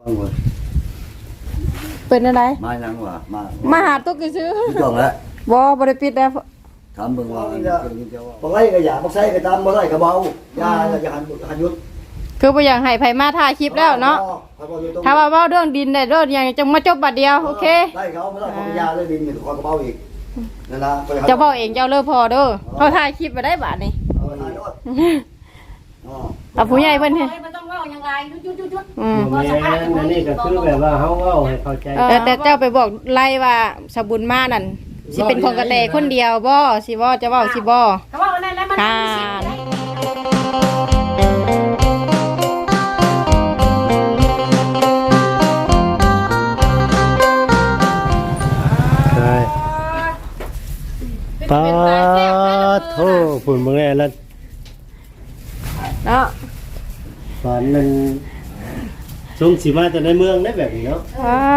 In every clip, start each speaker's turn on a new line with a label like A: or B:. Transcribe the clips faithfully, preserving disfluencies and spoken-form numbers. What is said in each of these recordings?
A: เป็นอะไร
B: มายังวะมา
A: มาหาตุ๊กซื้อ
B: จองแล้ว
A: บ่บ่ได้ปิดแล้ว
B: ถามเบิ่งว่าบ่ไล่ก็อย่าบ่ใส่ก็ตามบ่ไล่ก็เบาอย่าอย่าหันหันยุด
A: คือบ่อยากให้ไผมาถ่ายคลิปแล้วเนาะถ้าว่าเว้าเรื่องดินได้เรื่องอย่างจังมาจบบัดเดียวโอเค
B: ได้เขาบ่ได้ของยาเลยดินนี่ขอกระเป๋าอีกนั่นล่ะ
A: เจ้าเว้าเองเจ้าเลิกพอเด้อเฮาถ่ายคลิปบ่ได้บาดนี้
B: อ๋อ
A: อ่ะผู้ใหญ่เพิ่น
C: มันต้องเว้ายังไงจุดๆๆ
D: อืมอันนี้ก็คือแบบว่าเฮาเว้าให้เข้าใจ
A: แต่แต่เจ้าไปบอกไล่ว่าสบุญมานั่นสิเป็นของกระแตคนเดียวบ่สิบ่จะเว้าสิบ่
C: ก็ว่านั่นแล้วมัน
A: ค่ะ
D: ใช่ปาโทฝุ่นเบิ่งแน่แล้ว
A: เนาะ
D: ตอนนั้นช่วงสิมาแต่ในเมืองได้แบบนี้เนาะ
A: อ่า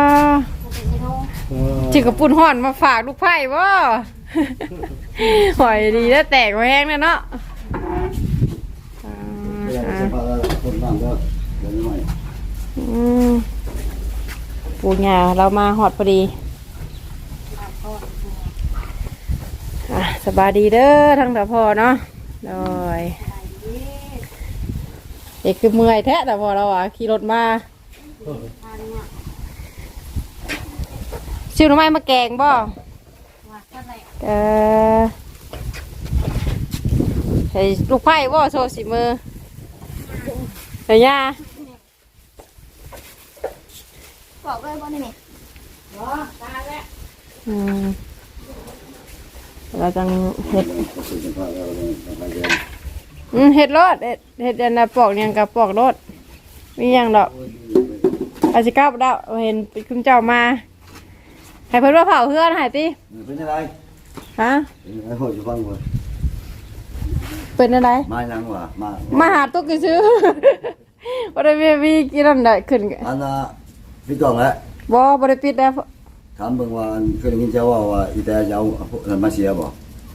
A: จิกกระปุ่นห่อนมาฝากลูกไผ่บ่หอยดีแล้วแตกแห้งแล้วเนาะปูหญ้าเรามาหอดพอดีสบายดีเด้อทั้งแต่พอเนาะโดยเด็กคือเมื่อยแท้แต่พอเราอ่ะขี่รถมาซิวหน่อไม้มาแกงบ่เออใส่ลูกไผ่บ่โซสิมือใส่ยา
C: บอกเลยบ่นี่นี่บ่ตายแล้ว
A: อืมเราจังเห็ดอืมเห็ดรสเห็ดเห็ดอันน่ะปอกยังกับปอกรสมีอย่างดอกอาชิก้าบดาวเห็นคุณเจ้ามาให้เพิ่นว่าเผาเพื่อนหายติ
B: เป็นอะไร
A: ฮะ
B: เป็นอะไรโหจะฟังบ่
A: เป็นอะไร
B: มายังวะมา
A: มาหาตุ๊กซื้อบ่ได้มีมีกินนั่นได้ขึ้น
B: อันน่ะพี่จองแล้ว
A: บ่บ่ได้ปิดแล้ว
B: ถามเบิ่งว่าเคยได้ยินเจ้าว่าว่าอีแต่จะเอานั่นมาเสียบ่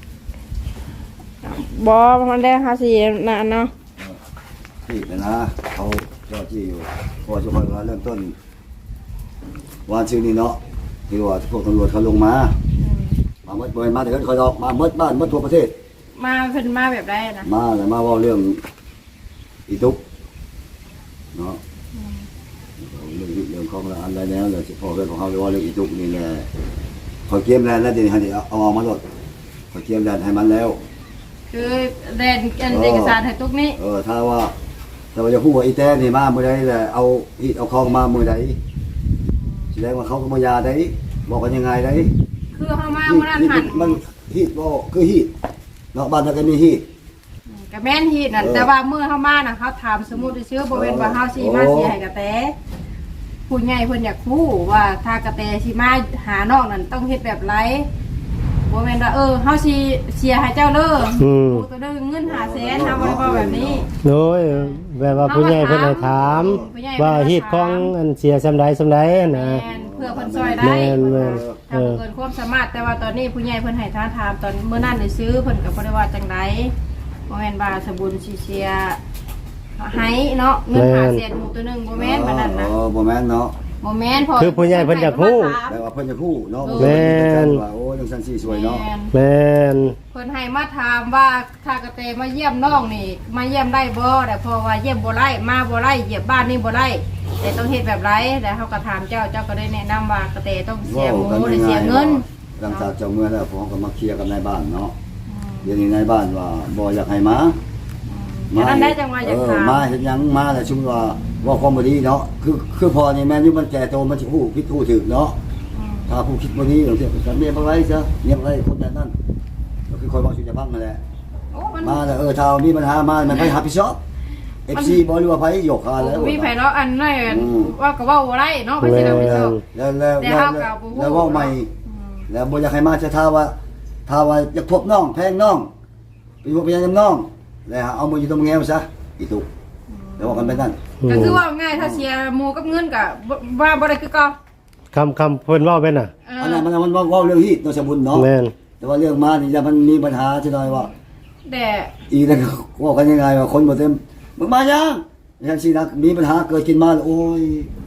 A: บ่มันได้ห้าสิบนะเนาะ
B: ที่นะเขาเจ้าที่อยู่พอจะพอเริ่มต้นวันชื่อนี้เนาะที่ว่าพวกตำรวจเขาลงมามาเมื่อเปิดมาแต่ก็คอยดอกมาเมื่อบ้านเมื่อทั่วประเทศ
A: มาเพิ่นมาแบบใดนะ
B: มาแล้วมาว่าเรื่องอีตุกเนาะเรื่องเรื่องของอะไรแล้วเลยเฉพาะเรื่องของเขาเรียกว่าเรื่องอีตุกนี่แหละขอเกียมแลนด์แล้วเดี๋ยวให้เอาออกมาหมดขอเกียมแลนด์ให้มันแล้ว
A: คือแดนเอกสารให้ตุกนี้
B: เออถ้าว่าแต่ว่าจะพูดว่าอีแต้นี่มาเมื่อใดแหละเอาฮีเอาคลองมาเมื่อใดแสดงว่าเขาก็มายาได้บอกกันยังไงได้
A: คือเขามาเมื่อนั้นหัน
B: มันฮีดบ่คือฮีดเนาะบ้านเราก็มีฮีด
A: ก็แม่นฮีดนั่นแต่ว่าเมื่อเขามาน่ะเขาถามสมมุติชื่อบริเวณว่าเฮาสิมาสิให้กระแตผู้ใหญ่เพิ่นอยากรู้ว่าถ้ากระแตสิมาหาน้องนั่นต้องเฮ็ดแบบไรบ่แม่นว่าเออเฮาสิเสียให้เจ้าเด้ออือตัวเด้อเงินห้าแสนเฮาบ่ได้ว่าแบบนี้
D: โดยแบบว่าผู้ใหญ่เพิ่นให้ถามว่าฮีดของอันเสียซำใดซำใดนะ
A: เพื่อเพิ่นช่วยได้ถ้าเกินความสามารถแต่ว่าตอนนี้ผู้ใหญ่เพิ่นให้ท่าถามตอนเมื่อนั้นได้ซื้อเพิ่นก็บ่ได้ว่าจังได๋บ่แม่นว่าสบุญสิเสียให้เนาะเงินห้าแสนหมู่ตัวนึงบ่แม่นบัดนั้นนะ
B: อ๋อบ่แม่นเนาะ
A: บ่แม่นพอ
D: คือผู้ใหญ่เพิ่นอยากฮู้
B: แต่ว่าเพิ่นอยากฮู้เนาะ
D: แม่น
B: ว่าโอ้จังซั่นสิสวยเนาะ
D: แม่น
A: เพิ่นให้มาถามว่าถ้ากระเตมาเยี่ยมน้องนี่มาเยี่ยมได้บ่แต่พอว่าเยี่ยมบ่ได้มาบ่ได้เหยียบบ้านนี่บ่ได้แต่ต้องเฮ็ดแบบไรแต่เฮาก็ถามเจ้าเจ้าก็ได้แนะนำว่ากระเตต้องเสียหมูหรือเสียเงิน
B: หลังจากเจ้าเมื่อแล้วผมก็มาเคลียร์กับนายบ้านเนาะเดี๋ยวนี้นายบ้านว่าบ่อยากให้มา
A: มาได้จังว่าอยากถาม
B: มาเฮ็ดหยังมาแต่ชุมว่าว่าความบ่ดีเนาะคือคือพอนี่แม่นอยู่มันแก่โตมันสิฮู้ผิดฮู้ถูกเนาะถ้าผู้คิดบ่ดีจังซี่ก็เมียบ่ไรซะเมียบ่ไรคนแบบนั้นก็คือคอยเว้าสิจะพังนั่นแหละมาแล้วเออถ้ามีปัญหามามันไปรับผิดชอบ เอฟ ซี บ่หรือว่าไผยกคาแล้ว
A: มีไผเนาะอันน้อยว่าก็เว้าบ่ได้เนาะไปสิรับผิดชอบ
B: แล้วแล้วแล้วแล้วเว้าใหม่แล้วบ่อยากให้มาจะถ้าว่าถ้าว่าอยากพบน้องแพงน้องไปพบไปยังน้องแล้วเอามืออยู่ตรงแง้วซะอีตุกแล้วว่ากันไปนั่น
A: ก็คือว่าง่ายถ้าเสียหมู่กับเงินก็ว่าบ่ได้คือเก่า
D: คำคำเพิ่นเว้าเป็นน่ะ
B: อันนั้นมันมันเว้าเรื่องฮีดเนาะสมบุญเนาะ
D: แม่น
B: แต่ว่าเรื่องมานี่จะมันมีปัญหาจังได๋ว่า
A: แต่
B: อีนั่นว่ากันยังไงว่าคนบ่เต็มมึงมายังจังซี่นะมีปัญหาเกิดขึ้นมาโอ้ยข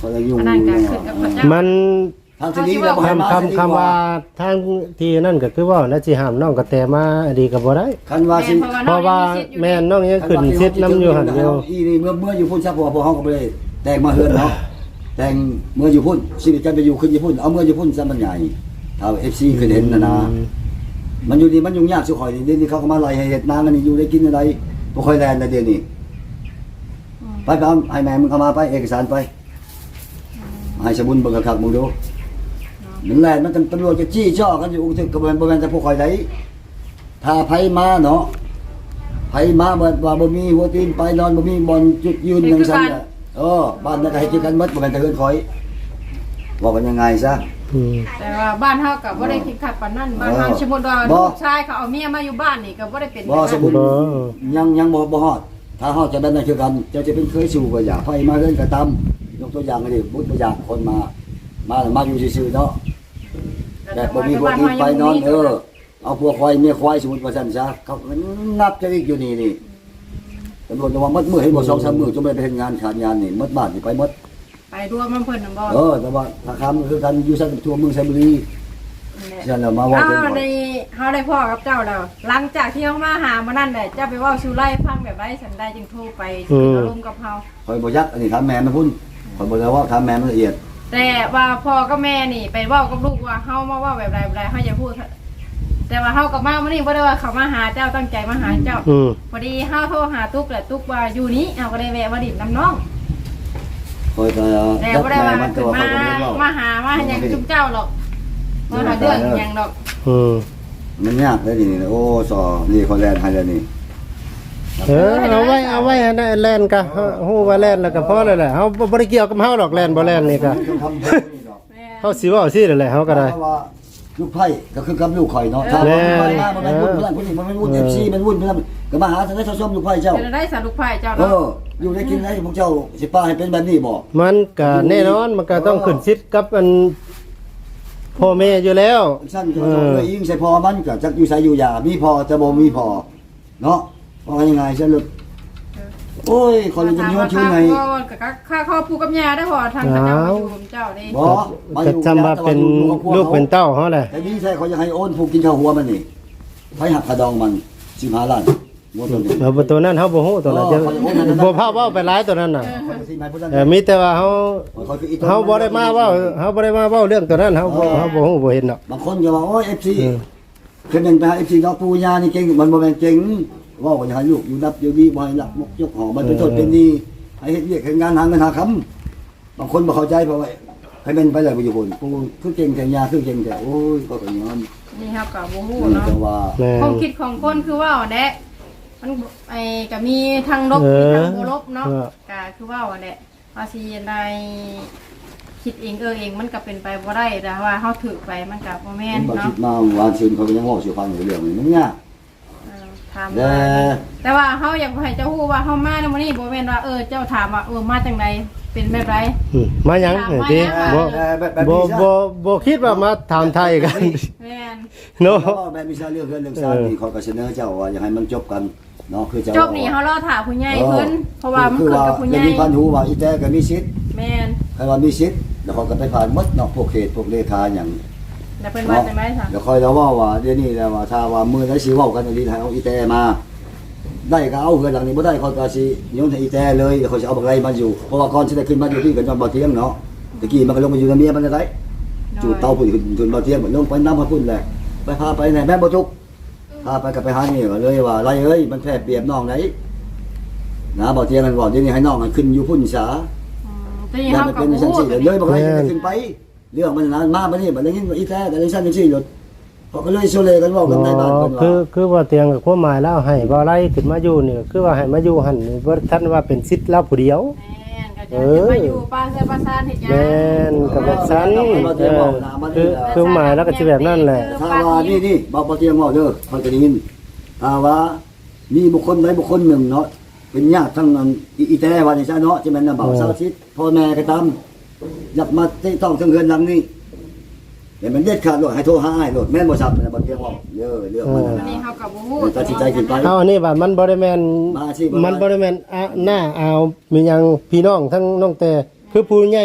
B: เขาจะยุ่ง
A: อันนั้นก็ขึ้นกับพระเจ้า
D: มัน
B: ทางที่นี้เราให้มา
D: คำคำคำว่าทางที่นั่นก็คือว่าน่าสิห้ามน้องกระแตมาดีก็บ่ได้
B: คันว่าสิ
D: เพราะว่าแม่น้องยังขึ้นซิดน้ำอยู่หั่นอยู่
B: อีนี่เมื่อเมื่ออยู่พุ่นซะพอพอเฮาก็บ่ได้แต่งมาเฮือนเนาะแต่งเมื่ออยู่พุ่นชีวิตกันไปอยู่ขึ้นอยู่พุ่นเอาเมื่ออยู่พุ่นซะมันใหญ่ถ้า เอฟ ซี เคยเห็นนะนะมันอยู่นี่มันยุ่งยากสุข่อยนี่เดี๋ยวนี้เขาก็มาไล่ให้เฮ็ดนากันนี่อยู่ได้กินอะไรบ่ค่อยแลนนะเดี๋ยวนี้ไปไปเอาให้แม่มึงเข้ามาไปเอกสารไปให้สมุนเบิ่งคักๆมึงดูมันแลนมันตำรวจจะจี้จ้อกันอยู่ถึงกระบวนบ่แม่นแต่พวกข่อยได้ถ้าไผมาเนาะไผมาบ่ว่าบ่มีหัวตีนไปนอนบ่มีบ่อนจุดยืนจังซั่นน่ะเออบ้านนั้นก็ให้กินกันหมดบ่แม่นแต่เฮือนข่อยว่ากันยังไงซะ
D: อืม
A: แต่ว่าบ้านเฮาก็บ่ได้คิดขัดปานนั้นบ้านเฮาสมมุติว่า
B: บ่
A: ลูกชายเขาเอาเมียมาอยู่บ้านนี่ก็บ่ได้เป็น
B: บ่สมมุติ
D: บ่
B: ยังยังบ่บ่ฮอดถ้าฮอดจะได้นั่นคือกันเจ้าจะเป็นเคยสู่ก็อย่าไผมาเฮือนก็ตามยกตัวอย่างให้ดิบุตรตัวอย่างคนมามามาอยู่ซื่อๆเนาะแบบบ่มีหัวตีนไปนอนเออเอาพวกควายเมียควายสมมุติว่าซั่นซะเขาก็นับจะอีกอยู่นี่นี่ตำรวจจะว่ามัดมือให้บ่สองสามมื้อจนไม่ไปเฮ็ดงานขาดงานนี่มัดบ้านนี่ไปหมด
A: ไปรวมมันเพิ่นน่ะบ่
B: เออแต่ว่าถ้าคำคือกันอยู่ซั่นทั่วเมืองไซบุรีฉันน่ะมาว่า
A: เอา
B: เป็นบ่
A: ในเฮาได้พ่อกับเจ้าแล้วหลังจากที่เฮามาหามานั่นแหละเจ้าไปเว้าสู่ไล่ฟังแบบไรฉันได้จึงโทรไปสิอารมณ์กับเฮา
B: ข่อยบ่ยักอันนี้ถามแม่มันพุ่นข่อยบ่ได้ว่าถามแม่มันละเอียด
A: แต่ว่าพ่อกับแม่นี่ไปเว้ากับลูกว่าเฮามาเว้าแบบไรแบบไรเฮาอย่าพูดแต่ว่าเฮากับมามื้อนี้บ่ได้ว่าเขามาหาเจ้าตั้งใจมาหาเจ้า
D: อืม
A: พอดีเฮาโทรหาตุ๊กแหละตุ๊กว่าอยู่นี้เอาก็ได้แวะมาดิบน้ำน้อง
B: ข่อยก็
A: แต่
B: ยัก
A: บ่ได้
B: แม่
A: ว่า
B: มันแต่
A: ขึ้น
B: ว่า
A: มา
B: ข่อยก็บ่ได้เว้า
A: มาหามาหยังจุ๊บเจ้าหรอกมาหาเรื่องหยังดอก
D: อืม
B: มันยากเลยนี่โอ้สอนี่เขาแลนให้แล้วนี่
D: เออเอาไว้เอาไว้ให้ได้แล่นกะฮู้ว่าแล่นแล้วก็พอแล้วแหละเฮาบ่ได้เกี่ยวกับเฮาดอกแล่นบ่แล่นนี่ก็
B: คำพูดนี่ดอก
A: แม่
D: เฮาสิเว้าซี่นั่นแหละเฮาก็ได้
B: เพราะว่าลูกไผ่ก็คือกับลูกข่อยเนาะถ้า
D: แน่
B: มันมามันเป็นวุ่นเพื่อนคนนี้มันเป็นวุ่น
D: เอ
B: เอ
D: อ
B: ฟซีมันวุ่นเพื่อนก็มาหาทางได้ชมลูกไผ่เจ้า
A: จะได้สารุกไผ่เจ้า
B: เอ
A: เนาะ
B: ออยู่ได้กินได้พวกเจ้าสิป้าให้เป็นแบบนี้บ่
D: มันก็แน่นอนมันก็ต้องขึ้นซิดกับอันพ่อแม่อยู่แล้ว
B: ฉันก็ต้องเลยยิงใส่พอมันก็จักอยู่ใส่อยู่ยามีพอจะบ่มีพอเนาะว่ายังไงฉันลูกโอ้ยคนจะย้อนชื่อไหน
A: ก็ค่าครอบครัวกับยาได้พอทางเจ้ามาอยู่กับเจ้านี่
B: บ่มาอ
D: ก็
B: ยู่
D: จำว่าเป็นลูกเป็นเต้าเฮาแหละ
B: แต่นี่ใช่เขาจะให้โอนผูกกินข้าวหัวมันนี่ไผหักกระดองมันสิบห้าล้านหมดตัวนี้
D: เอาตัวนั้นเฮาบ่ฮู้ตัวนั้นจะบ่พาเว้าไปหลายตัวนั้นน่ะ
B: สิบห้าผู้นั้น
D: เออมีแต่ว่าเฮา
B: เขาคืออีตัว
D: เฮาบ่ได้มาเว้าเฮาบ่ได้มาเว้าเรื่องตัวนั้นเฮาบ่เฮาบ่ฮู้บ่เห็นดอก
B: บางคนก็ว่าโอ้ย เอฟ ซี
D: อืม
B: คือเป็นไปหา เอฟ ซี เนาะปู่ย่านี่เก่งมันบ่แม่นเก่งว่าว่าจะให้ลูกอยู่รับอยู่ดีบ่ให้หลักมกยกหอมันเป็นโทษเป็นหนี้ให้เฮ็ดเวียกเฮ็ดงานหาเงินหาคำบางคนบ่เข้าใจเพราะว่าให้เป็นไปเลยบ่อยู่พุ่นปู่คือเก่งแต่ยาคือเก่งแต่โอ้ยก็ก็ยอม
A: นี่ครับกับโมโห
B: นี่
A: เนาะ
B: แต่ว่า
D: แม่
A: ความคิดของคนคือว่าแหละมันไอ้ก็มีทางลบ
D: เออ
A: มีทางโบลบเนาะ
D: เออ
A: ก็คือว่าแหละภาษีในคิดเองเออเองมันก็เป็นไปบ่ได้แต่ว่าเฮาถือไปมันก็บ่แม่น
B: บ่คิ
A: เนาะ
B: ดมาวานซื่นเขาก็ยังเว้าสิฟังอยู่เรื่องนี้มันยาก
A: เออถาม
B: แต่
A: ว่าแต่ว่าเฮาอยากให้เจ้าฮู้ว่าเฮามาในมื้อนี้บ่แม่นว่าเออเจ้าถามว่าเออมาจังไดเป็นแบบไร
D: อืมมาหยังนี่ติบ่
B: แบบแบบ
D: บ่
B: นี้ซะ
D: บ่บ่คิดว่ามาถามไทยกัน
A: แม่น
D: เนาะ
B: แล้วก็แบบมีซาเรื่องเรื่องเรื่องซานี่เขาก็เสนอเจ้าว่าอยากให้มันจบกันเนาะคือเจ้า
A: จบนี่เฮารอถามผู้ใหญ่เพิ่นเพราะว่ามัน
B: คือ
A: เกิด
B: ว่า
A: กับผู้ให
B: จะ
A: ญ่
B: มีพันหูว่าอีแต่ก็มีสิทธิ์
A: แม่น
B: ใครว่ามีสิทธิ์แล้วเขาก็ไปผ่านหมดเนาะพวกเขตพวกเลขาอย่าง
A: แล้วเพิ่นว่าจังได๋ซะ
B: เดี๋ยวคอยเราว่าว่าเดี๋ยวนี้แล้วว่าถ้าว่ามือได้สิเว้ากันอีหลีให้เอาอีแต่มา ได้ก็เอาเฮือนหลังนี้บ่ได้เขาก็สิโยนให้อีแต่เลยเดี๋ยวเขาสิเอาบักไรมาอยู่เพราะว่าก่อนสิได้ขึ้นมาอยู่ที่กันจอมบ่เที่ยงเนาะตะกี้มันก็ลงมาอยู่ในเมียมันได้จูดเตาพุ่นขึ้นจนบ่เที่ยงลงไปน้ำพระพุ่นแหละไปพาไปไหนแม่บ่ทุกพาไปกับไปหานี่ก็เลยว่าไรเอ้ยมันแพ้เปรียบน้องไหนนะบ่เที่ยงกันบ่เดี๋ยวนี้ให้น้องมันขึ้นอยู่พุ่นซะ
A: อืมแต่นี่
B: อย่า
A: เฮา
B: ไป
A: ก็
B: เป็นชั้น
A: ฮู้
B: สี่เลยบอกอะไรจะขึ้นไป เรื่องมันนานมากมานี่บัดนี้อีแท้แต่ในชั้นชั้นสี่หลุดพอก็เลยโซเลกันบอกกันในบ้านกัน
D: คือ
B: ว่า
D: คือว่าเตียงกับความหมายแล้วให้บ่ไล่ขึ้นมาอยู่นี่คือว่าให้มาอยู่หั่นนี่บ่ทันว่าเป็นสิทธิ์เราผู้เดียว
A: แม่นก็จะจะมาอยู่ป้าเสื้อป้าซานเฮ็ดหยัง
D: แม่นกับแบบนั้นเออคือคือหมายแล้วก็สิแบบนั้นแหละ
B: ถ้าว่านี่นี่บอกบ่เตียงบอกเด้อคอยจะได้ยินถ้าว่ามีบุคคลใดบุคคลหนึ่งเนาะเป็นญาติทั้งนั้นอีแท้ว่านี่ซะเนาะจะแม่นน่ะบ่าวสาวชิดพ่อแม่ก็ตามอยากมาที่ต้องถึงเฮือนหลังนี้แต่มันเด็ดขาดโลดให้โทรหาอ้ายโลดแม่นบ่ซับนะบ่เตียงบอกเด้อเรื่องมัน
A: อัน
B: นะ
A: นี้เฮาก็บ่ฮู้
B: ตัดสินใจขึ้นไป
D: เอาอันนี้ว่ามันบ่ได้แม่น
B: มาสิบ่ได้
D: มันบ่ได้แม่นอ่ะหน้าเอามีหยังพี่น้องทั้งน้องแต่คือผู้ใหญ่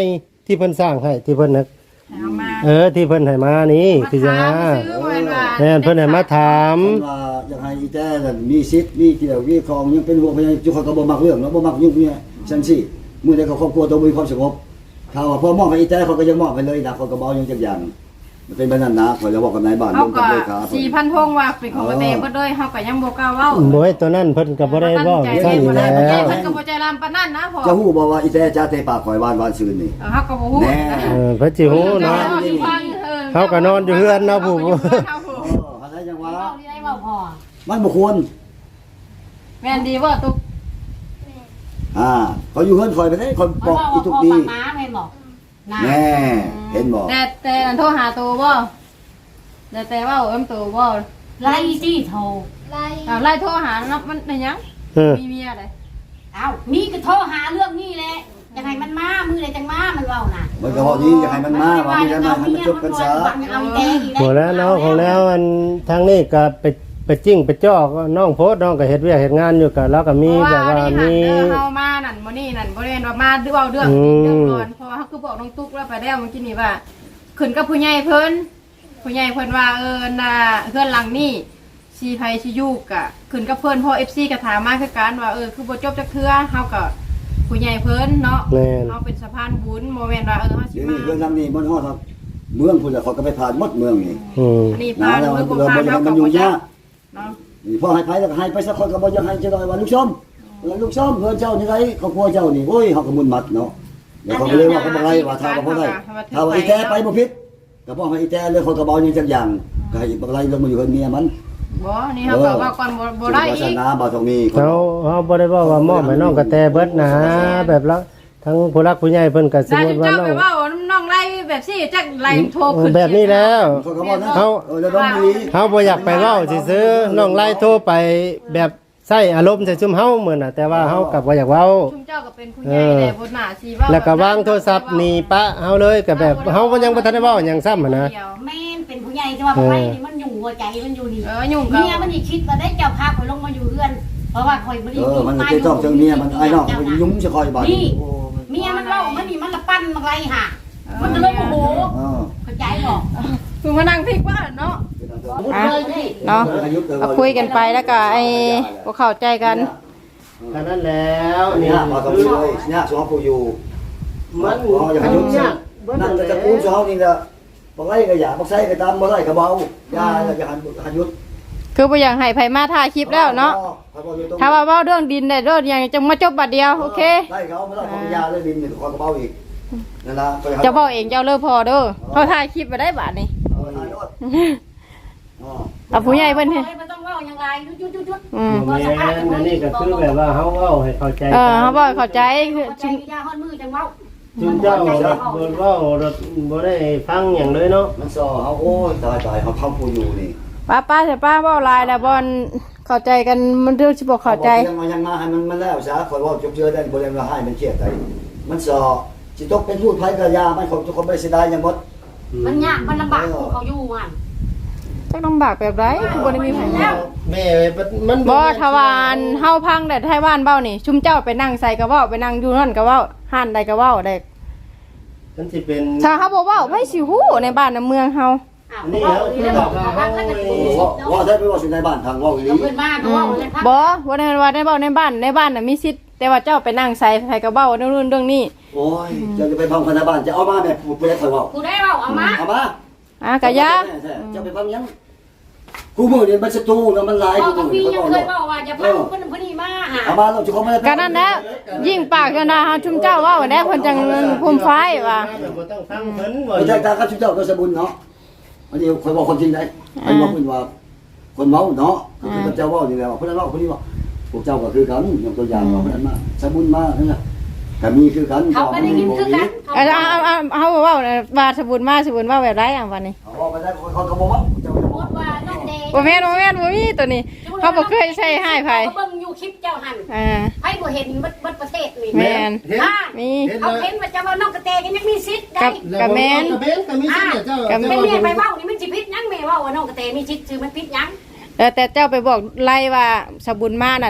D: ที่เพิ่นสร้างให้ที่เพิ่นน่ะ
A: เอามา
D: เออที่เพิ่นให้มานี่คือจัง
A: มา
D: ว่า
A: ถามซื้อบ่แม่นว่า
D: แม่นเพิ่นให้มาถาม
B: เพิ่นว่าอยากให้อีแต้นั่นมีสิทธิ์มีเกี่ยวมีครองยังเป็นห่วงพยาจุเขาก็บ่มักเรื่องเนาะบ่มักยุ่งเนี่ยจังซี่มื้อใดเขาครอบครัวต้องมีความสงบถ้าว่าพอมอบให้อีแต้เขาก็ยังมอบไปเลยนะเขาก็บ่เอาหยังจักอย่างมันเป็นแบบนั้นนะข่อยจะบอกกับนายบ้าน
A: เขา
B: ลงกับ
A: ก็
B: เลขา
A: สี่พันพงว่าเป็นของกระเตเบิดเลยเฮาก็ยังบ่กล้าเว้า
D: บ่ให้ตัวนั้นเพิ่นก็บ่ได้เว้า
A: ตั้งใจ
D: ซั่นอยู่
A: เรียนบ่
D: แล้
A: ได้
D: ว
A: เพิ่นก็บ่ใจรำปานนั้นนะพ่อ
B: จะฮู้บ่ว่าอีแต้จ้าเตะปากข่อยวานวานซืนนี่
A: เออเฮาก็บ่ฮู้
B: แน่
D: เออเพิ่นสิฮู้เนาะ เขาก็นอนอยู่เรือนเนาะผู้
B: เอออะไรจังว่า
E: เว้าที่ได้เว้าพอ
B: มันบ่ควร
A: แม่นดีบ่ตุ๊ก
B: อ่าเขาอยู่เฮือนข่อยไปได้ข่อย
E: มัน
B: บอก
E: เว้า
B: อี
E: ว่า
B: ทุก
E: พ่อ
B: ดี
E: ปากม้าแม่นบอกนะ
B: แน่เห็นบ่
A: แต่แต่อันโทรหาตัวบ่แต่แต่ว่าเอิ้มตัวบ่
E: ไล่สิโทร
C: ไล่
A: อ้าวไล่โทรหานับมันได้หยัง
D: เออ
A: มีเมียได้
E: เอ้ามีก็โทรหาเรื่องนี้แหละยังไงมันมามือใดจังมามันเว้าน่ะ
B: มันก็พอดีอยากให้มันมาว่ามีแล้วมาให้มันจบกันซะ
E: เอาอีแตงอีก
D: หมดแล้วเนาะของแล้วอันทางนี้ก็ไปไปจิ้งไปจ้อกน้องโพสต์น้องก็เฮ็ดเวียกเฮ็ดงานอยู่ก็แล้วก็มีแบบว่า
A: เพระ
D: มี
A: นี่หั่นเด้อเฮามานั่นบ่นี่นั่นบ่ได้ว่ามาเว้าเรื่อง
D: อืม
A: เรื่องก่อนเพราะว่าเฮาคือบอกน้องตุ๊กแล้วไปแล้วเมื่อกี้นี่ว่าขึ้นกับผู้ใหญ่เพิ่นผู้ใหญ่เพิ่นว่าเออน่ะเฮือนหลังนี้ชีไผชียูกะขึ้นกับเพิ่นเพราะ เอฟ ซี ก็ถามมาคือกันว่าเออคือบ่จบจักเทื่อเฮาก็ผู้ใหญ่เพิ่นเนาะ
D: แม่น
A: เฮาเป็นสะพานบุญบ่แม่นว่าเออเฮาสิ
B: เดี๋ยว
A: มา
B: นี้เรื่องนั้นนี่มันฮอดครับเมืองพุ่นน่ะเขาก็ไปผ่านหมดเมืองนี่
D: อืม
A: อันนี้
B: นะ
A: พา
B: แล้ว
A: ลู
B: มัน
A: ก
B: เริ่ม
A: พา
B: มัน
A: เฮา
B: มัน
A: ก็
B: อยู่
A: บ่จั
B: ยาก
A: กเนาะ
B: นี่พ่อให้ไปแล้วก็ให้ไปสักคนก็บ่อยากให้จะได้ว่าลูกชมเออลูกชมเฮือนเจ้านี่ไดครอบครัวเจ้านี่โอ้ยเฮาก็มุนมัดเนาะเดี๋ยวเขาก็เลยว่าเขาบ่ไรว่าถ้าก็บ่ได้ถ้าว่าอีแต้ไปบ่ผิดก็บ่ให้อีแต้เลยเขาก็บ่เอาหยังจักอย่างก็ให้บ่ไรลงมาอยู่กับเมียมัน
A: บ่นี่เฮาก็ว่าก่อนบ่บ่ได้
B: ศาส
A: อีก
B: นาบ่ต้องมี
D: เขาเขาบ่ได้บอกว่ามอบให้น้องกระแตเบิดนะแบบละทั้งผู้รักผู้ใหญ่เพิ่นก็สม
A: ได้
D: มุติว่า
A: เจ้า
D: น้อ
A: ไป
D: ง
A: เว้าน้องไล่แบบสิจักไล่โทรขึ้น
D: แบบนี้แล้ว
B: เขาก็บ่นะ
D: เขา
B: เออแล้วต้องมี
D: เขาบ่อยากไปเว้าซื่อๆน้องไล่โทรไปแบบใส่อารมณ์ใส่ซุมเฮาเหมือนน่ะแต่ว่าเฮาก็บ่อยากเว้า
A: ชุมเจ้าก็เป็นผู้ใหญ่แต่บ่น่าสิเว้า
D: แล้วก็วางโทรศัพท์หนีปะเฮาเลยก็แบบเฮาบ่ยังบ่ทันได้เว้าหยังซ้ำหันนะ
E: แม่นเป็นผู้ใหญ่แต่ว่าบ่ไปนี่มันยุ่งหัวใจมันอยู่นี่
A: เออยุ่งกับ
E: เมียมันนี่คิดว่าได้เจ้าพาข่อยลงมาอยู่เรือน เพราะว่าข่อยบ่ได้
B: เออมันจะต้องจังเมียมันไอ้น้องมันยุ่งจะคอยบาด
E: นี่เมียมันเล่ามันนี่มันละปั้นมาไรห่ามันก็เลยโมโห
B: เออ
E: เข้าใจบ่
A: คือมานั่งพลิกว่าเนาะ
E: อ่ะ
A: เนาะเอาคุยกันไปแล้วก็ไอ้บ่เข้าใจกัน
D: ก็นั่นแล้ว
B: นี่
D: นี่
B: มาต้องมีเลยเนี่ยสองผู้อยู่
D: มัน
B: อ๋ออย่าให้ยุ่งซะนั่นจะกูสองนี่ละบ่ไรก็อย่าบ่ใส่ก็ตามบ่ไรก็เบาอย่าอย่าหันหันยุด
A: คือบ่อยากให้ไผมาถ่ายคลิปแล้วเนาะถ้าว่าเว้าเรื่องดินได้เรื่องอย่างจังมาจบบัดเดียวโอเค
B: ไล่เขาไม่ได้เขายาเลยดินเนี่ยคอยก็เบาอีกนั่นล่ะ
A: เจ้าเว้าเองเจ้าเลิกพอเด้อเขาถ่ายคลิปไว้ได้บาดนี้
B: เออถ่ายรถอ๋อ
A: เอาผู้ใหญ่เพิ่นเฮ็ด
E: ไม่ต้องเว้าอย่างไรยุดๆ
A: อืม
D: แม่นอันนี้ก็คือแบบว่าเฮาเว้าให้เข้าใจ
A: เออเขาบ่เข้าใจ
E: ๆ
A: คือ
E: เข้าใจ
A: ชุม
E: ยาฮอดมือจังเว้า
D: จุนเจ้าบ่เว้ารถบ่ได้ฟังหยังเลยเนาะ
B: มันซอเขาโอ้ยตายตายเขาเข้าผู้อยู่นี่
A: ป้าป้าแต่ป้าเว้าหลายแล้วบ่เข้าใจกันมันเรื่องสิบ่เข้าใจ
B: ยังมายังมาให้มันมันแล้วซะคอยว่าจบเจอได้บ่ได้มาให้มันเครียดได้มันซอสิตกเป็นผู้ภัยกับยามันคงทุกคนไม่เสียดายยังหมด
E: มันยากมันลำบากของเขาอยู่อ่ะ
A: จักลำบากแบบไรคือบ่ได้มีไผ
E: แล้ว
D: แม่มัน
A: บ่ทวารเฮาพังแต่ไทบ้านเบ้านี่ ชุมเจ้าไปนั่งใส่กระเว้าไปนั่งอยู่นั่นกระเว้าห่านใดกระเว้าได้
D: มันสิเป็น
A: ถ้าเฮาบ่เว้าไผสิฮู้ในบ้านในเมืองเฮา
E: อ้าวเว้าอีแล้วบอกว่าถ้าเกิดกู
B: ว่าว่าได้ไปว่าสิในบ้านทางว่าอีหลี
E: เพิ่นมาก็เว้าเลยครับ
A: บ่บ่ได้ว่าในเว้าในบ้านในบ้านน่ะมีสิทธิ์แต่ว่าเจ้าไปนั่งใส่ใส่กระเว้าเรื่องนู้นเรื่องนี้
B: โอ้ยจะจะไปพังคนในบ้านจะเอามาแม่พูดไปได้คอยว่า
E: กูได้เว้าเอามา
B: เอามา
A: อ่ะกะยา
B: จะไปพังยังกูมือเนี่ยมันศัตรูแล้วมันหลาย
E: เว้า
B: กู
E: กับ
B: มื
E: พี่
B: อ
E: ยัง
B: เขา
E: เค
B: บอย ก
E: เว้าว่าอย่าพังเพิ่นเพิ่นนี่มาหา
B: เอามาเราจะเขาไม่ได้
A: ก็นั่นแหละยิ่งปากกันนะเฮาชุมเจ้าเว้าแน่เพิ่นจังภูมิไฟว่า
D: บ่ต้องฟังเพิ่นบ่
B: ไม่ใช่การข้าชุดเจ้าก็สมบูรณ์เนาะอันนี้คอยบอกคนจริงได้ไอ้บอกคุณว่าคนเมาเนาะคือเจ้าว่าอยู่แล้วคนนั้นว่าคนนี้ว่าพวกเจ้าก็คือกันอย่างตัวอย่างว่าคนนั้นมาสมบูรณ์มากนั่นแหละก็มีคือกัน
E: เขาก็ได้ยินคือกัน
A: เอาเอาเอาเอาเฮาเว้าน่ะว่าสบุญมาสบุญว่าแบบไรอ่ะวันนี้
B: เอาไปได้คนเขาบอกว่าเจ้าจะ
E: สม
B: บ
E: ม
B: อก
E: ติว่าน้องเดย์
A: บ่แม่นบ่แม่นบ่มีตัวนี้เขาบ่เคยใช้ให้ไผ
E: เขาเบิ่งอยู่คลิปเจ้าหัน
A: อ่า
E: ไผบ่เห็นบัดบัดประเทศนี่
A: แม่น
E: อ่า
A: มี
E: เขาเห็นว่าเจ้าว่าน้องกระเตก็ยังมีสิทธิ์ได้
D: กับแม่นกับแม่นก็มีสิเจ้า
E: แม่แม่ไปเว้านี่มันสิผิดหยังแม่เว้าว่าน้องกระเตมีสิทธิ์คือมันผิดหยัง
A: เออแต่เจ้าไปบอกไล่ว่าสบุญมานั่น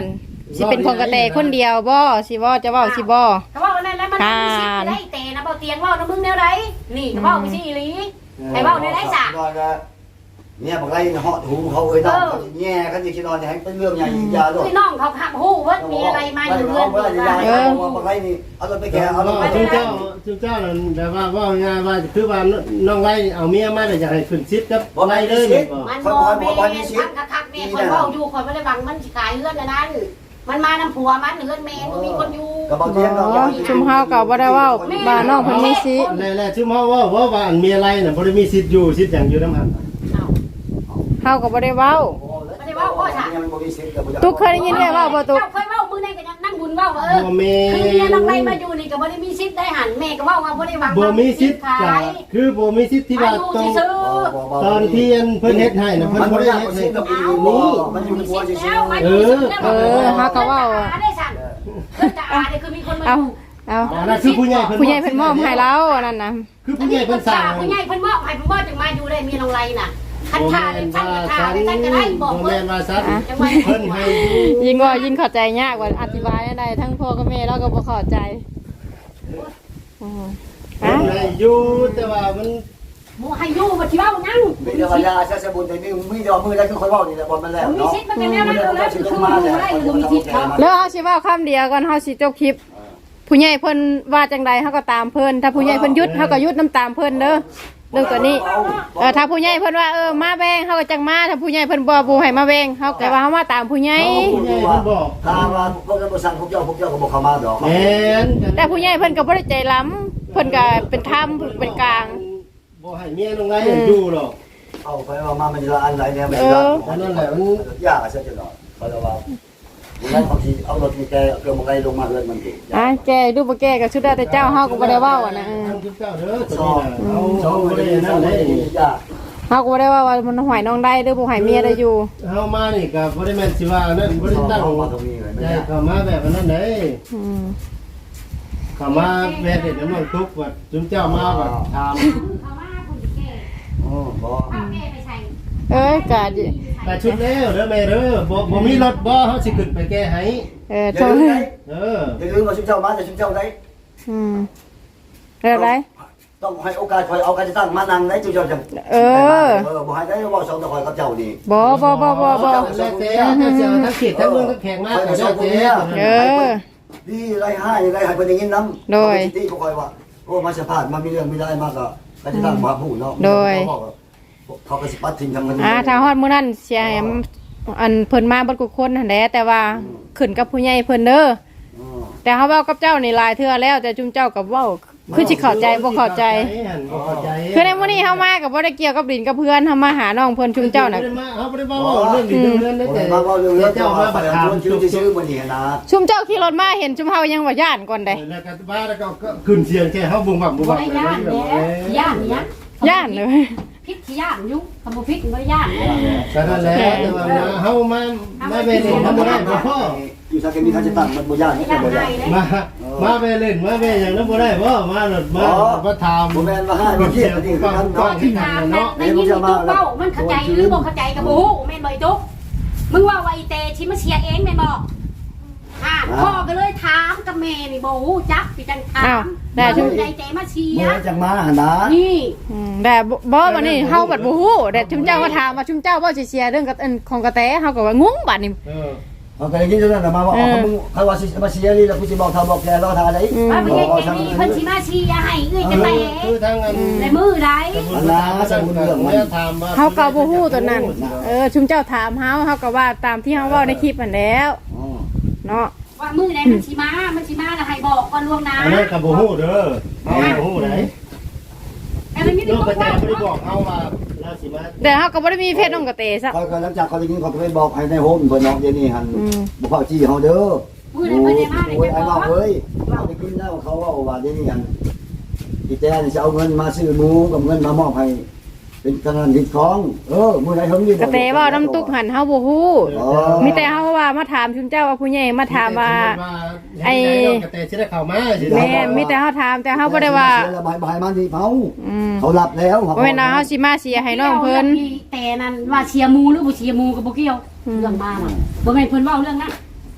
A: สิเป็นของกระแตคนเดียวบ่สิบ่จะเว้าสิบ่
E: ก็ว่าวันนั้นแล้วมันมีสิทธิ์ได้แต่นะเบาเตียงว่านะมึงแนวไรนี่ก็ว่าไปสิอีหลีไอ้เบาในไรจ้ะ
B: เนี่ยบอกไรเหาะหูเขาเอ้ยน้องเขาแง่กันอยู่ที่นอนเนี่ยให้เป็นเรื่องใหญ่ยิ่งยาด้วย
E: พี่น้องเขาขับหูว่ามีอะไรมาอยู่เรือน
B: เออบอกไรนี่เอารถไปแกเอารถไป
D: จุเจ้าจุเจ้านั่นแต่ว่าว่าง่ายว่าคือว่าน้องไล่เอาเมียมาแต่อยากให้ขึ้นซิดครับไล่เลย
E: มันบ่แม่ทักทักแม่คนเว้าอยู่คนไม่ได้บังมันสิขายเรือนนั้นมันมาน้ำผัวมันเรือนแม่บ่มีคนอยู่
B: ก็บอกเทียง
A: อ๋อชุมเฮาก็บ่ได้เว้าบ้านน้องเพิ่นมีสิ
D: แหละๆชุมเฮาว่าว่าว่าอันเมียไรน่ะบ่ได้มีสิทธิ์อยู่สิทธิ์หยังอยู่นำหัน
A: เฮาก็บ่ได้เว้า
E: ไม่ได้เว้าพ่อจ้ะ
A: ตุ๊กเคยได้ยินได้เว้าบ่ตุ๊ก
E: เจ้าเคยเว้ามือในก็นั่งบุญเว้าเออ
D: บ่แม่
E: คือเมียน้องไรมาอยู่นี่ก็บ่ได้มีสิทธิ์ได้หันแม่ก็เว้าว่าบ่ได้หวัง
D: บ่มีสิทธิ์ก็คือบ่มีสิทธิ์ที่ว่าต้องตอนที่เพิ่นเฮ็ดให้น่ะเพิ่นบ่ได้เฮ็ดให้กับนี่
B: มันอยู่ในหัวเฉย
E: เออ
A: เออเฮาก็เว้า
E: ได้สั่นเพิ่นจะอาได้คือมีคนมา
A: เอา
E: อยู่
A: เอา
D: อันนั้นคือผู้ใหญ่เพิ่น
A: ผู้ใหญ่เพิ่นมอบให้เราอันนั้นน่ะ
D: คือผู้ใหญ่เพิ่นสั่ง
E: ผู้ใหญ่เพิ่นมอบให้เพิ่นว่าจังมาอยู่ได้มีน้องไรน่ะคัน
D: บ่
E: ท่า
D: แม่
E: ได้
D: น
E: ท่า
D: ว่า
E: ท่า
D: ซั่น
E: ได้ท่านก็ได้บอก
D: บ่
E: เพิ่
D: แม่
E: น
D: นว่าซั่นเพิ่นให้อยู่
A: ยิ่งว่ายิ่งเข้าใจยากกว่าอธิบายได้ทั้งพ่อกับแม่เราก็บ่เข้าใจอือ
D: เพิ่นให้อยู่แต่ว่ามัน
E: หมู่ให้อยู่บ่สิเว้านั่ง
B: ๆเป็นเรื่องยาเสียสบุญแต่นี่มีดอกมือได้คือคนว่านี่แหละบอลมันแล้ว
E: มี
B: เนาะ
E: สิทธิ์มันก็แนวนั้นแล้วคือหมู่ได้อยู่มีสิทธิ์ครับ
A: แล้วเฮาสิเว้าคำเดียวก่อนเฮาสิจบคลิป ผู้ใหญ่เพิ่นว่าจังใดเฮาก็ตามเพิ่นถ้าผู้ใหญ่เพิ่นหยุดเฮาก็หยุดน้ำตามเพิ่นเด้อเรื่องตัวนี้เออถ้าผู้ใหญ่เพิ่นว่าเออมาแบ่งเฮาก็จังมาถ้าผู้ใหญ่เพิ่นบ่บ่ให้มาแบ่งเฮาก็ว่าเฮามาตามผู้ใหญ่
D: ผู้ใหญ่เพิ่นบอก
B: ถ้าว่าพวกนั้นบริษัทพวกเจ้าพวกเจ้าก็บอกเขามาดอก
D: แม่น
A: แต่ผู้ใหญ่เพิ่นก็บ่ได้ใจล้ำเพิ่นก็เป็นธรรมเป็นกลาง
D: บ่ให้เมียลงไรอยู่หรอก
B: เอาไปว่ามามันจะอันไหนเนี่ยไม่ได้ยากเสียจนหน่อยเพราะว่างั้นบางทีเอารถมีแกเกิดมาไรลงมาเลยมันดี
A: อ่ะแกดูบ่แกก็สุดแล้วแต่เจ้าเฮาก็บ่ได้เว้าอ่ะนะเออ
D: ทำทุกเจ้าเด้อ
B: ช
D: ตัว
B: อบ
D: นี้น่ะเอา
B: ชอบ
D: เอา
B: ไม่
D: บ่
B: ได้
D: ได้นั่
B: นั่
D: น
B: น
D: เล
B: เลย ยยาก
A: เฮาก็บ่ได้ว่าว่ามันหอยน้องได้หรือบ่หอยเมียได้อยู่
D: เฮามานี่ก็บ่ได้แม่นสิว่านั่นบ่ได้ตั้ง
B: มาตรงนี้เลยไม่
D: ได้
B: ได้
D: เข้ามาแบบนั้นเด้
A: อืม
D: เข้ามาแม่เด็ดน้ำมันทุกว่าจุมเจ้ามาว่าถาม
E: เขาว่าคุณสิแก่
B: อ๋อบ่
E: เอาแม่ไปใส่
A: เอ้ยก็ดิ
D: แต่ชุดแล้วเด้อแม่เด้อบ่บ่มีรถบ่เฮาสิขึ้นไปแก้ให้
A: เออ
B: อย่า
A: โทร
B: ลืมได้
D: เออ
B: อย่าลืมว่าชุมเจ้ามาแต่ชุมเจ้าได้
A: อืมเรื่องอะไร
B: ต้องให้โอกาสคอยเอาการจะตั้งมานั่งได้ชุมเจ้าจัง
A: เออ
B: เออบ่ให้ได้ว่าสองตะคอยกับเจ้านี่
A: บ่บ่บ่บ่บ่
D: แล้วแต่ถ้าเสียทั้งเขตทั้งเมืองทั้งแขกมาก็แล้วแต่
A: เออ
B: ดีไรให้ไรให้เป็นอย่างนี้น้ำที่เขาคอยว่าโอ้มาสะพานมามีเรื่องไม่ได้มากก็ก็จะตั้งมาผู้เนาะเขาก็สิปัดทิ้งทำกัน
A: อ่าถ้าฮอดมื้อนั้นเสียให้อันเพิ่นมาเบ่ทุกคนนั่นแหละแต่ว่าขึ้นกับผู้ใหญ่เพิ่นเด้อแต่เฮาเว้ากับเจ้านี่หลายเทื่อแล้วแต่จุมเจ้าก็เว้าคือสิเข้าใจบ่เข้าใจ
D: บ่เข้าใจ
A: คือในมื้อนี้เฮามาก็บ่ได้เกี่ยวกับดินกับเพื่อนเฮามาหาน้องเพิ่นจุมเจ้าน่ะ
D: เฮาบ่ได้มาเว้าเรื่องดีเรื่องนั้น
B: แต่
D: แต่
B: มาว่าเรื่องเรื่อง
D: เจ้า
B: เจ้า
D: มา
B: มา
D: บั
B: บั
D: ด
B: ด
D: ถา
B: ถาม มชื่อชื่อมันนี่นะ
A: ชุมเจ้าขี่รถมาเห็นชุมเฮายังว่าย่านก่อนเด้
D: แล้วก็บ้าแล้วก็ขึ้นเสียงแค่เฮาบุ้งบั่มบุ้ง
E: บ่
D: บั่ม
E: ได้ย่านแหน่ย่านเนี่ย
A: ย่านเลย
E: พิษที่ย่านอยู่คำบ่พิษบ่ได้ย่าน
D: ก็นั่นแหละแต่ว่าเฮามามาไปเล่นทำบ่ได้บ่พอ
B: อยู่ทางนี้เขาจะตั้งมันบ่ยากนี่
E: ย่าน
B: บ่
E: ให้
B: ยาก
E: เลย
D: มามาไปเล่นมาไปอย่างนั้นบ่ได้บ่มาหลดมาบ่ถาม
B: บ่แม่นว่าให้บ่เที่ยงนี่คือกัน
E: ก็
B: เนาะ
E: ที่ตามนะในนี้มีตุ๊กเว้ามันเข้าใจหรือบ่เข้าใจก็บ่ฮู้แม่นบ่ตุ๊กมึงว่าว่าอีเตชิมาเชียร์เองแม่นบ่อ่าพ่อก็เลยถามกับแม่นี่บ่ฮู้จักพี่จังถามได้ชุมใจเตมาเชีย
B: เมื่อ
E: ร์
B: จังมาหั่นนะ
E: นี่
A: อืมแต่บ่บ่บัดนี้เฮาบัดบ่ฮู้แต่ชุมเจ้ามาถามว่าชุมเจ้าบ่สิเสียเรื่องกับอันของกระแตเฮาก็ว่างงบัดนี้
D: เออ
B: เขาก็ได้ยินเท่านั้นมาว่าเขามึงเขาว่าสิมาเสียนี่แล้วกูสิบอกเขาบอกแกรอทาได้
E: ว่าบ่ใช่แค่นี้เพิ่นสิมาเชียร์ให้เอ้ยจังได๋
D: คือทางอัน
E: ในมือใด
D: ถามว่า
A: เฮาก็บ่ฮู้ตัวนั้นเออชุมเจ้าถามเฮาเฮาก็ว่าตามที่เฮาเว้าในคลิปนั่นแล้วเนาะ
E: ว่ามือใดมันสิมามันสิมาแล้วให้บอกก่อนล่วงหน้า
D: อันนั้นก็บ่ฮู้เด้อเฮาบ่ฮู้ไหน
E: แต่มันมี
D: ลู
E: ตุ๊
D: ก
E: ก
D: กระแต
E: เว้า
D: บ่ได้บอกเฮาว่าเราสิมา
A: แต่เฮาก็บ่ได้มีเพศน้องกระแตซะ
B: เขาก็หลังจากเขาได้ยินเขาก็ไปบอกให้ในโฮมเพิ่นเนาะเดี๋ยวนี้หัน
A: อืม
B: บ่เข้าจี้เฮาเด้อ
E: มือใดเพิ่นได้มาได้
B: โอ้ย
E: จะ
B: ไอ้
E: บอ
B: น้อก งเอ้ยเขาได้ยินแล้วเขาว่าว่าเดี๋ยวนี้หันอีแตนจะเอาเงินมาซื้อหมูกับเงินมามอบให้เป็นกำนันดิดของเออมื้อใดเฮามี
A: กระแตเว้าน้ำตุกหันเฮาบ่ฮู้มีแต่เฮาว่ามาถามชุมเจ้าว่าผู้ใหญ่มาถามว่า
D: ไอ้กระแตสิได้เข้ามาสิ
A: แม่มีแต่เฮาถามแต่เฮาบ่ได้ว่า
B: บายบายมันที่เฮา
A: อืม
B: เขารับแล้ว
A: บ่แม่นว่าเฮาสิมาเสียให้น้องเพิ่น
E: แต่นั้นว่าเชียร์มูหรือบ่เชียร์มูก็บ่เกี่ยวเรื่องมาน่ะบ่แม่นเพิ่นเว้าเรื่องนั้น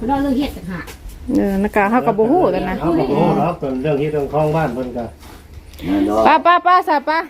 E: คุณน้องเรื่องเฮ็ดต่างหาก
A: เออนักกาเฮาก็บ่ฮู้กันนะ
D: เอาบ่ฮู้เนาะเป็นเรื่องที่เรื่องของบ้านเพิ่นก็
B: แม่นเนาะ
A: ป้าป้าป้าซะป้า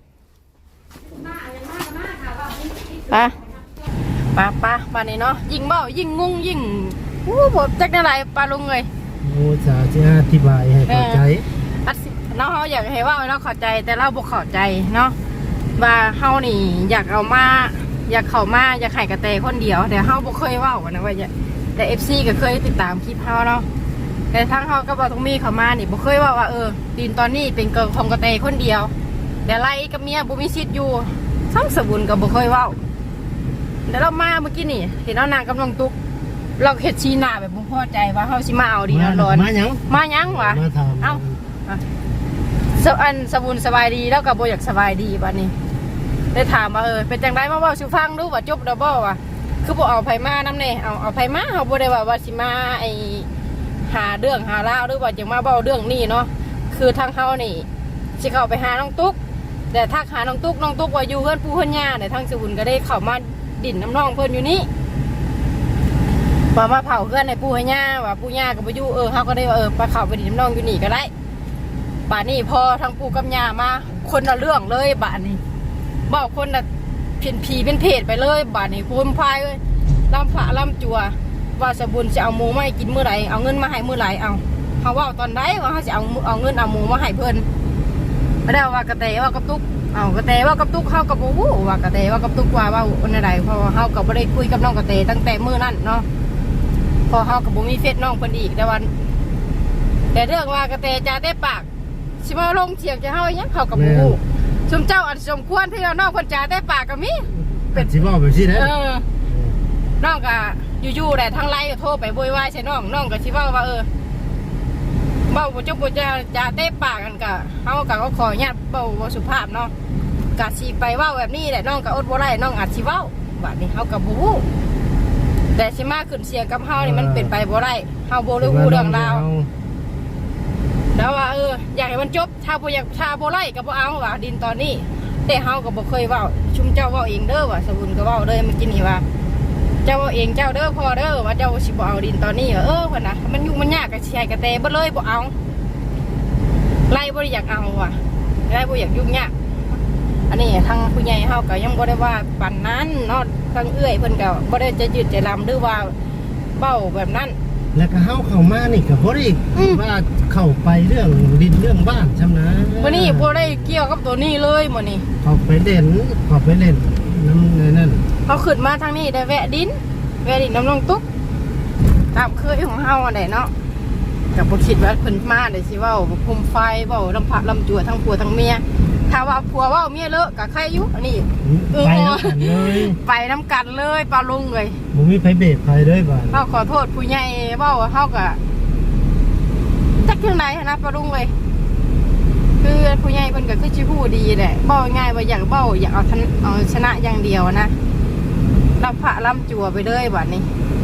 A: ป้าป้าป้าบ้านนี้เนาะยิ่งเว้ายิ่งงงยิ่งอู้บ่จักได้หลายป้าลุงเอ้ย
D: โอ้จะจะอธิบายให้เข้าใจ
A: อัดสิเนาะเฮาอยากให้เว้าให้เราเข้าใจแต่เราบ่เข้าใจเนาะว่าเฮานี่อยากเอามาอยากเข้ามาอยากให้กระแตคนเดียวแต่เฮาบ่เคยเว้ากันนะว่าจะแต่ เอฟ ซี ก็เคยติดตามคลิปเฮาเนาะแต่ทั้งเฮาก็บ่ต้องมีเข้ามานี่บ่เคยเว่าว่าเออดินตอนนี้เป็นเกิดของกระแตคนเดียวแต่ไล่กับเมียบ่มีสิทธิ์อยู่ทั้งสบุญก็บ่เคยเว้าแต่เรามาเมื่อกี้นี่เห็นเอานางกำลังตุกเราเฮ็ดชีหน้าแบบบ่พอใจว่าเฮาสิมาเอาดินเอาร้อน
D: มาหยัง
A: มายังวะ
D: มาถาม
A: เอ้าสอันสบุญสบายดีแล้วก็บ่อยากสบายดีบัดนี้ได้ถามว่าเออเป็นจังไดมาเว้าสู่ฟังดูว่าจบแล้วบ่วะคือบ่เอาไผมานำแน่เอาเอาไผมาเฮาบ่ได้ว่าว่าสิมาไอหาเรื่องหาราวหรือว่าจะมาเว้าเรื่องนี้เนาะคือทางเฮานี่สิเข้าไปหาน้องตุ๊กแต่ทักหาน้องตุ๊กน้องตุ๊กว่าอยู่เฮือนปู่เฮือนย่าแต่ทางสบุญก็ได้เข้ามาดินน้ำน้องเพิ่นอยู่นี่ว่ามาเผาเฮือนให้ปู่ให้ย่าว่าปู่ย่าก็บ่อยู่เออเฮาก็ได้ว่าเออไปเข้าไปดินน้ำน้องอยู่นี่ก็ได้ป่านนี้พอทางปู่กับย่ามาคนละเรื่องเลยป่านนี้เว้าคนละเพียนผีเป็นเพศไปเลยบาดนี้พูนพายเลยลำพระลำจัวว่าสบุญจะเอาหมูมาให้กินเมื่อไหร่เอาเงินมาให้เมื่อไหร่เอาเขาว่าตอนใดว่าเขาจะเอาเอาเงินเอาหมูมาให้เพิ่นไม่ได้ว่ากระเตว่ากับตุ๊กเอากระเตว่ากับตุ๊กเขากับบูว่ากระเตว่ากับตุ๊กว่าว่าวันใดเพราะว่าเขากับไม่ได้คุยกับน้องกระเตตั้งแต่มื้อนั้นเนาะพอเขากับบุมีเฟซน้องเพิ่นอีกแต่วันแต่เรื่องว่ากระเตจะได้ปากชิมาลงเฉียงจะเฮาอย่างเขากับบูชุมเจ้าอันสมควรที่เรานอกคนจ่าได้ปากกับมิ
D: เป็นสิบอกแบบนี้นะ
A: เออน้องก็อยู่ๆแหละทางไลน์ก็โทรไปโวยวายใส่น้องน้องก็ชิว่าว่าเออเบ้าบุจุบุจะจ่าได้ปากกันกะเขากะก็ขอญาติเบ้าบ่สุภาพเนาะกะสีไปว่าแบบนี้แหละน้องก็อดบ่ได้น้องอาจสิเว้าบัดนี้เขากับบู๊แต่สิมาขึ้นเสียงกับเฮานี่มันเป็นไปบ่ได้เฮาบ่รู้เรื่องราวแล้วว่าเอออยากให้มันจบถ้าบ่อยากถ้าบ่ไล่ก็บ่เอาว่าดินตอนนี้แต่เฮาก็บ่เคยเว้าชุมเจ้าเว้าเองเด้อว่าสบุญก็เว้าเลยเมื่อกี้นี่ว่าเจ้าเว้าเองเจ้าเด้อพ่อเด้อว่าเจ้าสิบ่เอาดินตอนนี้เออเพิ่นน่ะมันยุ่งมันยากก็สิให้กระแตบ่เลยบ่เอาไล่บ่ได้อยากเอาว่ะไล่บ่อยากยุ่งยากอันนี้ทางผู้ใหญ่เฮาก็ยังบ่ได้ว่าปานนั้นเนาะทางเอื้อยเพิ่นก็บ่ได้จะยืดจะลำหรือว่าเว้าแบบนั้น
D: แล้วก็เฮาเข้ามานี่ก็บ่ได้ว่าเข้าไปเรื่องดินเรื่องบ้านชำนะ
A: วันนี้บ่ได้เกี่ยวกับตัวนี้เลยมื้อนี้
D: เข้าไปเล่นเข้าไปเล่นน้ำนั่น
A: เขาขึ้นมาทางนี้ได้แวะดินแวะดินน้ำลงตุ๊กตามเคยของเฮาอันใดเนาะกับบ่คิดว่าเพิ่นมาได้สิเว้าคุมไฟเว้าลำพะลำจัวทั้งผัวทั้งเมียถ้าว่าผัวเว้าเมียเลอะก็ใครอยู่อันนี้
D: ไปน้ำกันเลย
A: ไปน้ำกันเลยปลาลุงเลย
D: บ่มีไผเบรกไผเลยบ่
A: เฮาขอโทษผู้ใหญ่เว้าเฮาก็จักจังไดนะปลาลุงเลยคือผู้ใหญ่เพิ่นก็คือสิฮู้ดีแหละเว้าง่ายว่าอยากเว้าอยากเอาเอาชนะอย่างเดียวนะลำพะลำจัวไปเลยบัดนี้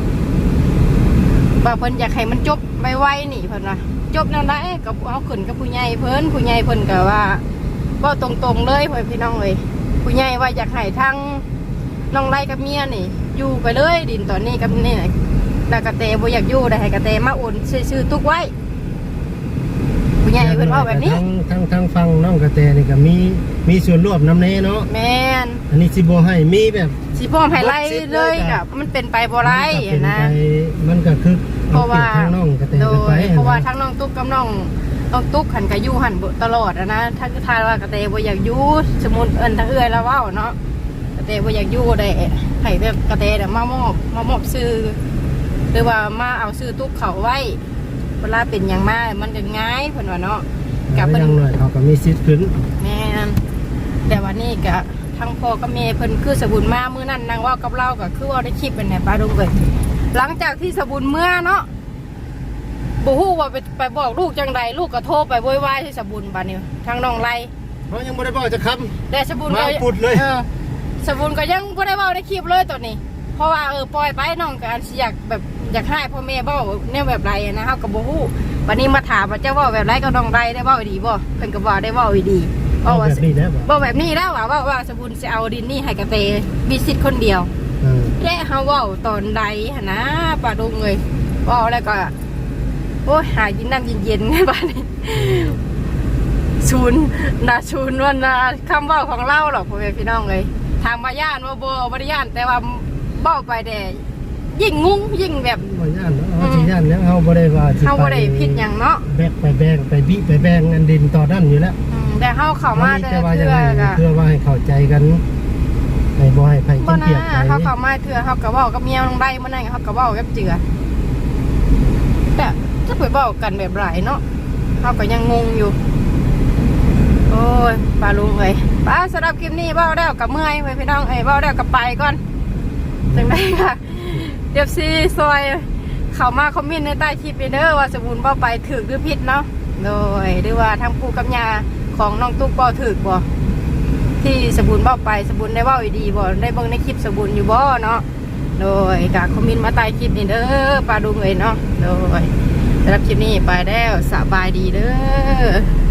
A: ว่าเพิ่นอยากให้มันจบไวๆนี่เพิ่นว่าจบแนวใดก็เอาขึ้นกับผู้ใหญ่เพิ่นผู้ใหญ่เพิ่นก็ว่าเว้าตรงๆเลยพ่อพี่น้องเลยผู้ใหญ่ว่าอยากให้ทั้งน้องไร่กับเมียนี่อยู่ไปเลยดินตอนนี้กับนี่แล้วกระเตบ่อยากอยู่ได้ให้กระเตมาโอนซื้อๆตุกไว้ผู้ใหญ่เพิ่นว่าแบบนี้
D: ทั้งทั้งทั้งฟังน้องกระแตนี่ก็มีมีส่วนร่วมนำแน่เนาะ
A: แม่น
D: อันนี้สิบ่ให้มีแบบ
A: สิพ่อให้ไล่เลยกับมันเป็นไปบ่ได้นะ
D: มันก็คือ
A: เพราะว่า
D: ทางน้องกระแต
A: โด
D: กันไป
A: ยเพราะว่าทั้งน้องตุ๊กกับน้องน้องตุ๊กหันกับยู่หันตลอดนะถ้าคือทายว่ากระเตบ่อยากยู่สมมุติเอิ้นทางเอื้อยแล้วเว้าเนาะกระเตบ่อยากยู่ได้ให้แบบกระเตน่ะมามอบมามอบซื้อหรือว่ามาเอาซื้อตุ๊กเขาไว้เวลาเป็นหยังมามันจะง่ายเพิ่นว่าเนาะกับ
D: เพิ่
A: เพิ่
D: น
A: น
D: หน่อยเขาก็มีสิทธิ์ขึ้น
A: แม่นแต่วันนี้ก็ทั้งพ่อกับแม่เพิ่นคือสบุญมามื้อนั้นนางเว่ากับเราก็คือว่าได้คลิปเป็นไหนปลาดุงเอ้ยหลังจากที่สบุญเมื่อเนาะบ่ฮู้ว่าไปไปบอกลูกจังใดลูกก็โทรไปโวยวายที่สบุญบัดนี้ทางน้องไล่
D: เขายังบ่ได้บอกจะคำ
A: แต่สบุญก็
D: มาปุดเลย
A: ออสบุญก็ยังบ่ได้เว้าในคลิปเลยตอนนี้ เพราะว่าเออปล่อยไปน้องก็อันสิอยากแบบอยากให้พ่อแม่เว้าแนวแบบไรนะเฮาก็บ่ฮู้วันนี้มาถามว่าเจ้าเว้าแบบไรก็น้องไล่ได้เว้าดีบ่เพิ่นก็บ่ได้เว้าดี
D: เอาแบบนี้แล้วบ่
A: บอกแบบนี้แล้วว่าว่าว่าสบุญจะเอาดินนี่ให้กระเตมีสิทธิ์คนเดียว
D: เออ
A: และเขาเว่าตอนใดหนนะป่าดงเลยว่าแล้วก็โอ้ยหากินน้ำเย็นๆไงบ้านนี้ชูนนาชูนว่านาคำว่าของเล่าหรอกพ่อแม่พี่น้องเลยทางมาย่านว่าโบบริย่านแต่ว่าเบ้าไปแต่ยิ่งงุ้งยิ่งแบบ
D: บ่ย่านเนาะเฮาสิย่านแล้วเฮาบ่ได้ว่าสิ
A: เขาบ่ได้ผิดหยังเนาะ
D: แบกไปแบงไปบิไปแบงอันดินต่อด้านอยู่แล้ว
A: อืมแต่เขาเข้ามาแต่
D: แต่ว่า
A: เถื่
D: จะ
A: อ
D: ให้
A: ก็
D: เพื่อว่าให้เข้าใจกันให้บ่ให้ไผ
A: บ่
D: กิน
A: นะ
D: เปรียบไป
A: เขาเข้ามาเถื่อเขาก็เว้ากับเมียลงได้มื้อนั้นเขาก็เว้ากับเจือแต่จะไปเว้ากันแบบไรเนาะเขาก็ยังงงอยู่โอ้ยป้าลุงเอ้ยป้าสำหรับคลิปนี้เว้าแล้วกับเมื่อยเว้ยพี่น้องเอ้ยเว้าแล้วกับไปก่อนจังได๋ค่ะเอฟซีซอยเข้ามาคอมเมนต์ในใต้คลิปเด้อว่าสมุนเว้าไปถูกหรือผิดเนาะโดยหรือว่าทางปู่กับย่าของน้องตุ๊กบ่ถูกบ่ที่สมุนเว้าไปสมุนได้เว้าอีดีบ่ได้เบิ่งในคลิปสมุนอยู่บ่เนาะโดยกะคอมเมนต์มาใต้คลิปนี่เด้อป้าลุงเอ้ยเนาะโดยสำหรับคลิปนี้ไปแล้วสบายดีเด้อ